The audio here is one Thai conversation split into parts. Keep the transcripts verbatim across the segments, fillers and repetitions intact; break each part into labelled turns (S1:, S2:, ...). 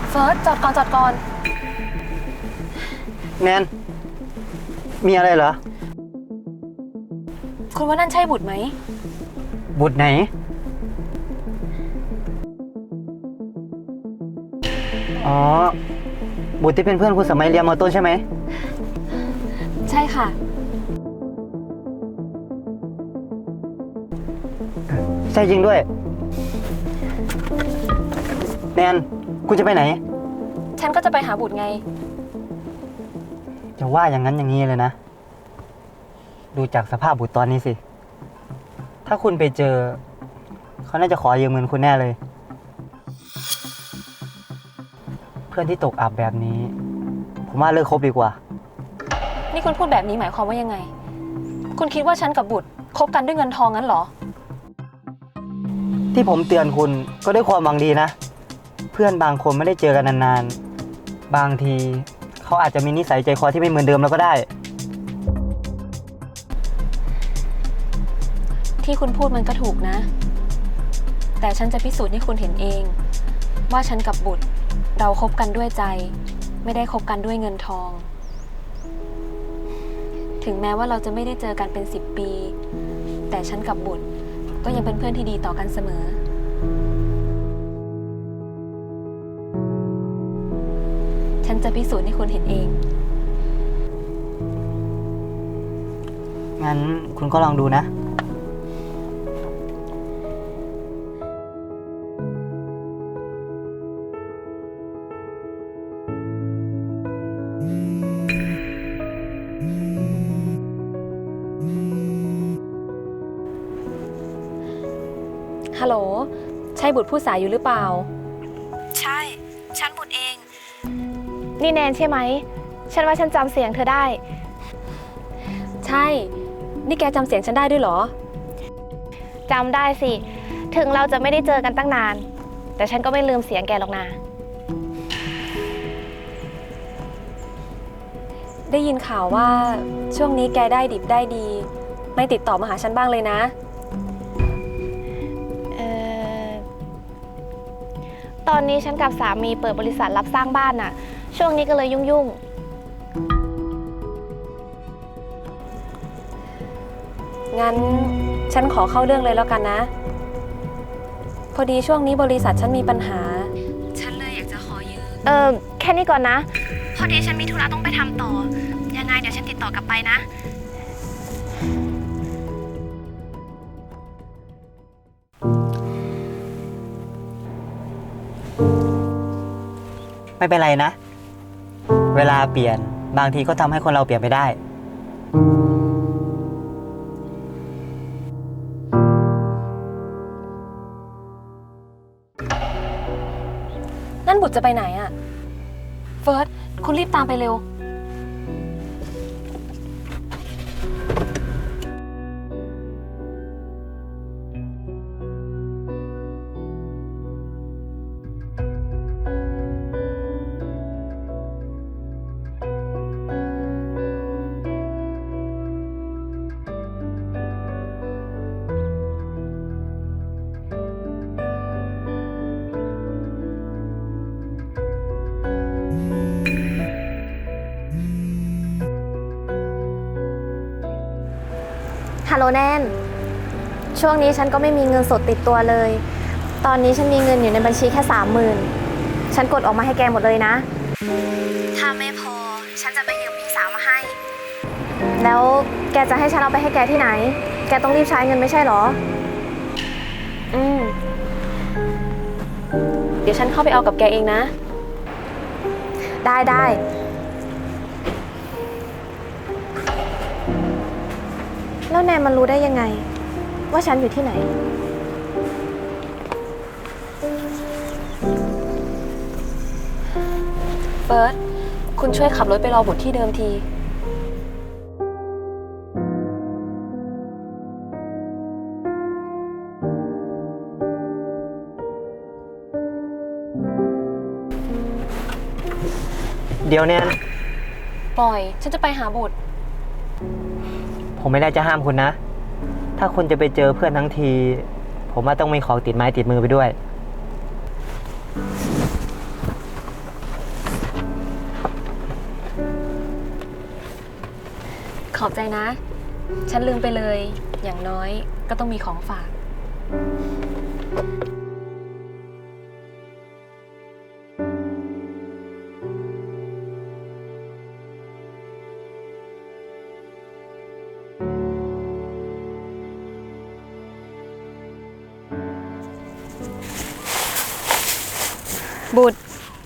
S1: เฟิร์สจอดก่อนจอดก่อน
S2: แนนมีอะไรเหรอ
S1: คุณว่านั่นใช่บุตรไหม
S2: บุตรไหนอ๋อบุตรที่เป็นเพื่อนคุณสมัยเรียนม.ต้นใช่ไหม
S1: ใช่ค่ะ
S2: ใช่จริงด้วยแนนคุณจะไปไหน
S1: ฉันก็จะไปหาบุตรไง
S2: จะว่าอย่างนั้นอย่างนี้เลยนะดูจากสภาพบุตรตอนนี้สิถ้าคุณไปเจอเขาน่าจะขอยืมเงินคุณแน่เลยเพื่อนที่ตกอับแบบนี้ผมว่าเลิกคบดีกว่า
S1: นี่คุณพูดแบบนี้หมายความว่ายังไงคุณคิดว่าฉันกับบุตรคบกันด้วยเงินทองงั้นเหรอ
S2: ที่ผมเตือนคุณก็ด้วยความหวังดีนะเพื่อนบางคนไม่ได้เจอกันนานๆบางทีเขาอาจจะมีนิสัยใจคอที่ไม่เหมือนเดิมแล้วก็ได้
S1: ที่คุณพูดมันก็ถูกนะแต่ฉันจะพิสูจน์ให้คุณเห็นเองว่าฉันกับบุตรเราคบกันด้วยใจไม่ได้คบกันด้วยเงินทองถึงแม้ว่าเราจะไม่ได้เจอกันเป็นสิบปีแต่ฉันกับบุตรก็ยังเป็นเพื่อนที่ดีต่อกันเสมอฉันจะพิสูจน์ให้คุณเห็นเอง
S2: งั้นคุณก็ลองดูนะ
S1: ฮัลโหลใช่บุตรผู้สายอยู่หรือเปล่า
S3: ใช่ฉันบุตรเองนี่แนนใช่ไหมฉันว่าฉันจำเสียงเธอได้
S1: ใช่นี่แกจำเสียงฉันได้ด้วยเหรอ
S3: จำได้สิถึงเราจะไม่ได้เจอกันตั้งนานแต่ฉันก็ไม่ลืมเสียงแกหรอกนะ
S1: ได้ยินข่าวว่าช่วงนี้แกได้ดิบได้ดีไม่ติดต่อมาหาฉันบ้างเลยนะ
S3: ตอนนี้ฉันกับสามีเปิดบริษัทรับสร้างบ้านน่ะช่วงนี้ก็เลยยุ่ง
S1: ๆงั้นฉันขอเข้าเรื่องเลยแล้วกันนะพอดีช่วงนี้บริษัทฉันมีปัญหาฉันเลยอยากจะขอยืม
S3: เออแค่นี้ก่อนนะพอดีฉันมีธุระต้องไปทำต่อยังไงเดี๋ยวฉันติดต่อกลับไปนะ
S2: ไม่เป็นไรนะเวลาเปลี่ยนบางทีก็ทำให้คนเราเปลี่ยนไปได้
S1: นั่นบุตรจะไปไหนอะเฟิร์สคุณรีบตามไปเร็ว
S3: ฮัลโหลแนนช่วงนี้ฉันก็ไม่มีเงินสดติดตัวเลยตอนนี้ฉันมีเงินอยู่ในบัญชีแค่สามหมื่นฉันกดออกมาให้แกหมดเลยนะถ้าไม่พอฉันจะไปยืมพี่สาวมาให้แล้วแกจะให้ฉันเอาไปให้แกที่ไหนแกต้องรีบใช้เงินไม่ใช่หรอ
S1: อืมเดี๋ยวฉันเข้าไปเอากับแกเองนะ
S3: ได้ได้แล้วแนนมันรู้ได้ยังไงว่าฉันอยู่ที่ไหน
S1: เฟิร์สคุณช่วยขับรถไปรอบุตรที่เดิมที
S2: เดี๋ยวแนน
S1: ปล่อยฉันจะไปหาบุตร
S2: ผมไม่ได้จะห้ามคุณนะถ้าคุณจะไปเจอเพื่อนทั้งทีผมว่าต้องมีของติดไม้ติดมือไปด้วย
S1: ขอบใจนะ ฉันลืมไปเลย อย่างน้อยก็ต้องมีของฝาก บุตร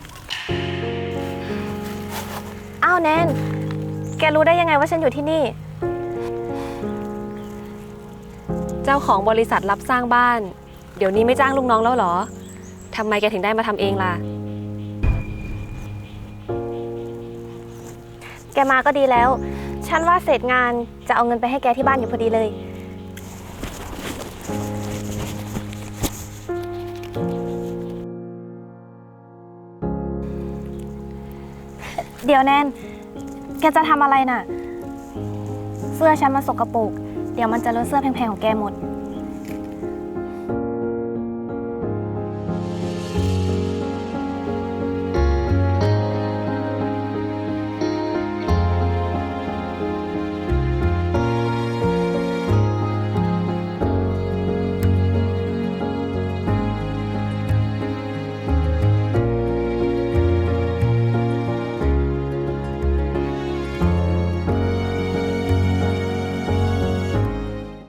S3: อ้าวแนน แกรู้ได้ยังไงว่าฉันอยู่ที่นี่
S1: เจ้าของบริษัทรับสร้างบ้าน เดี๋ยวนี้ไม่จ้างลูกน้องแล้วเหรอ ทำไมแกถึงได้มาทำเองล่ะ
S3: แกมาก็ดีแล้ว ฉันว่าเสร็จงานจะเอาเงินไปให้แกที่บ้านอยู่พอดีเลย เดี๋ยวแนน แกจะทำอะไรน่ะ เสื้อฉันมันสกปรก เดี๋ยวมันจะเลอะเสื้อแพงๆของแกหมด